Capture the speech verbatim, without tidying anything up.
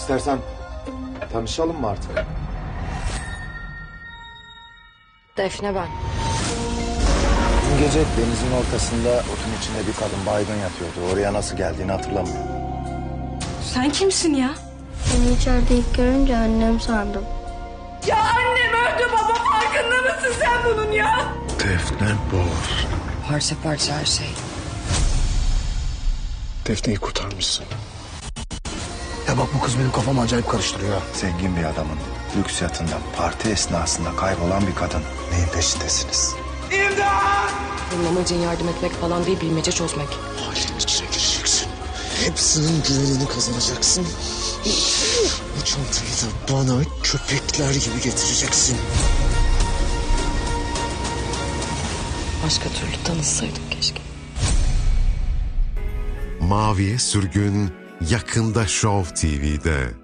İstersen tanışalım mı artık? Defne ben. Dün gece denizin ortasında otun içinde bir kadın baygın yatıyordu. Oraya nasıl geldiğini hatırlamıyorum. Sen kimsin ya? Beni içeride ilk görünce annem sandım. Ya annem öldü baba, farkında mısın sen bunun ya? Defne Boz. Parça parça her şey. Defne'yi kurtarmışsın. Ya bak, bu kız benim kafamı acayip karıştırıyor. Zengin bir adamın lüks yatında parti esnasında kaybolan bir kadın. Neyin peşindesiniz? Bunun amacın yardım etmek falan değil, bilmece çözmek. Ailenin içine gireceksin. Hepsinin güvenini kazanacaksın. Bu çantayı da bana köpekler gibi getireceksin. Başka türlü tanışsaydık keşke. Maviye Sürgün yakında Show T V'de.